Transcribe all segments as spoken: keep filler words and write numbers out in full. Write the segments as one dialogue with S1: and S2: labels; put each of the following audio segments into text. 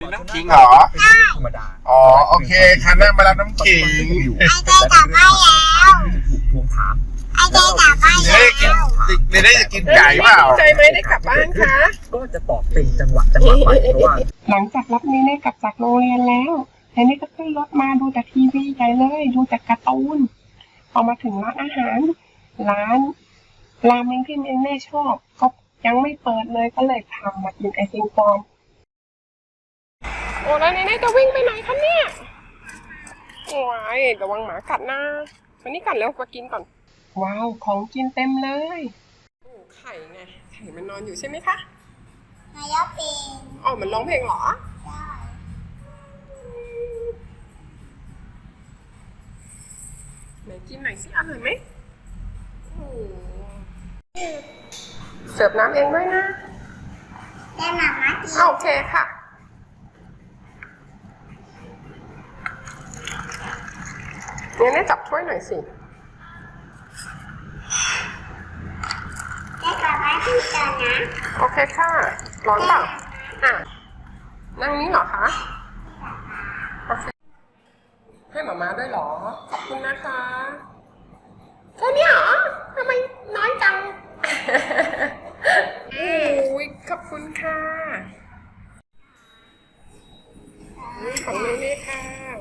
S1: น้ำขิงเหรอธรรมดาอ๋อโอเคคันนั่งมารับน้ำขิง
S2: ไอเจกลับบ้านแล้วทวงถามไอเจกลับบ้านแล้ว
S1: เดี๋ยวได้จะกินไก่เปล่า
S3: ใจไหมได้กลับบ้านคะ
S2: ก็จะตอบเป็นจังหวะจังหวะไปเพราะว่า
S3: หลังจากรับนี้ได้กลับจากโรงเรียนแล้วแต่นี่ก็ขึ้นรถมาดูแต่ทีวีใหญ่เลยดูแต่การ์ตูนพอมาถึงร้านอาหารร้านราเมงที่แม่ชอบก็ยังไม่เปิดเลยก็เลยทำมากินไอติมก่อนโอ้แล้วนี่จะวิ่งไปไหนคะเนี่ยโอ้ยระวังหมากัดนะวันนี้กัดแล้วมากินก่อนว้าวของกินเต็มเลยโอ้ไข่ไงไข่มันนอนอยู่ใช่ไหมคะ
S2: นายกเป็น
S3: อ๋อมันร้องเพลงเหรอ
S2: ใช่
S3: ไหนกินหน่อยสิอร่อยไหมเสิร์ฟน้ำเองด้วยนะ
S2: ได้มาม่ากิน
S3: โอเคค่ะเนี่ยเนี่ยจับถ้วยหน่อยสิ
S2: ได้กลับบ้านที่ก่อนนะ
S3: โอเคค่ะร้อนเปล่าอ่ะนั่งนี้เหรอคะโอเคให้หมาม่าด้วยเหรอขอบคุณนะคะแค่นี้เหรอทำไมน้อยจังโอ้ยขอบคุณค่ะของเน่ๆค่ะ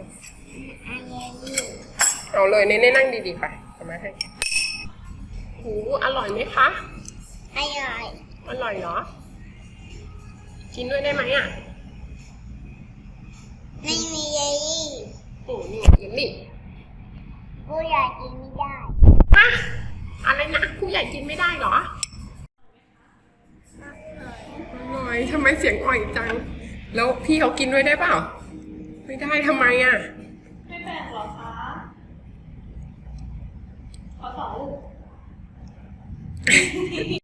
S3: เอาเลยเน่ๆนั่งดีๆไปเอามาให้หูอร่อยไหมคะ
S2: อร่อย
S3: อร่อยเหรอกินด้วยได้ไหมอ่ะ
S2: ไม่มีเยลลี่
S3: โอ้นี่เยลลี่
S2: ผู้ใหญ่กินไม่ได้
S3: ฮะอะไรนะผู้ใหญ่กินไม่ได้เหรออร่อยทำไมเสียงอ่อยจังแล้วพี่เขากินด้วยได้เปล่าไม่ได้ทำไมอ่ะ
S4: ไม่แบ่งหรอคะขอสองลูก